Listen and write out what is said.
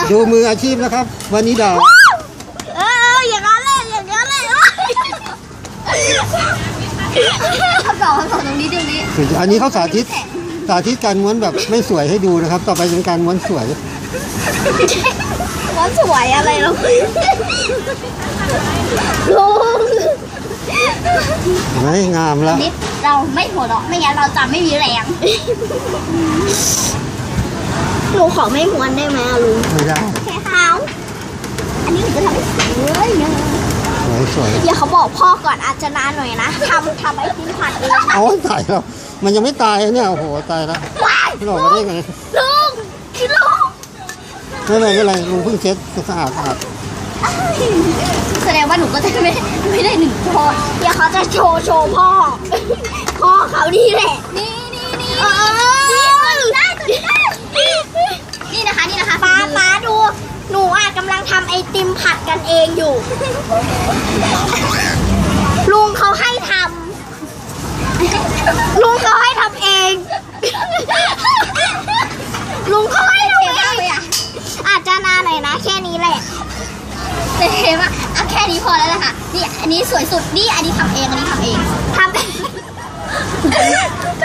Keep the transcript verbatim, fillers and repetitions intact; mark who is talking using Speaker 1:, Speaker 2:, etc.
Speaker 1: ดูมืออาชีพนะครับวานิดา
Speaker 2: เอออย่างนั้นเลยอย่างนั้นเลยเขาสอนเขาสอนตรงนี้ตรงนี้
Speaker 1: อันนี้เขาสาธิตสาธิตการม้วนแบบไม่สวยให้ดูนะครับต่อไปเป็นการม้วนสวย
Speaker 2: ม้วนสวยอะไรลูกลุง
Speaker 1: ไม่งามแล้ว
Speaker 2: นิดเราไม่หัวเราะไม่งั้นเราจะไม่มีแรงลุงขอไม่ม้วนได้ไหมลุง
Speaker 1: ไม่ได้
Speaker 2: แค่เขาอันนี้หนูจะทำให้สวยนะ
Speaker 1: สวยสวย
Speaker 2: เดี๋ยวเขาบอกพ่อก่อนอาจจะนานหน่อยนะทำทำไอติมผัดเอง
Speaker 1: เอาตายแล้วมันยังไม่ตายเนี่ยโอ้โหตายแล้วหลอกมาได้ไง
Speaker 2: ลุงคือลุง
Speaker 1: ไม่เป็นไรไม่เป็นไรลุงเพิ่งเช็ดสะอาดสะอาด
Speaker 2: แสดงว่าหนูก็จะไม่ไม่ได้หนึ่งพ่อเดี๋ยวเขาจะโชว์โชว์พ่อพ่อเขานี่แหละนี่นี่นี่นี่นะคะนี่นะคะป้าป้าดูหนูอ่ะกำลังทำไอติมผัดกันเองอยู่ลุงเขาให้ทำลุงเขาให้ทำเองลุงเขาให้ทำเองอาจจะนานหน่อยนะแค่นี้แหละแต่เห็นว่าอ่ะแค่นี้พอแล้วแหละค่ะนี่อันนี้สวยสุดนี่อันนี้ทำเองอันนี้ทำเองทำ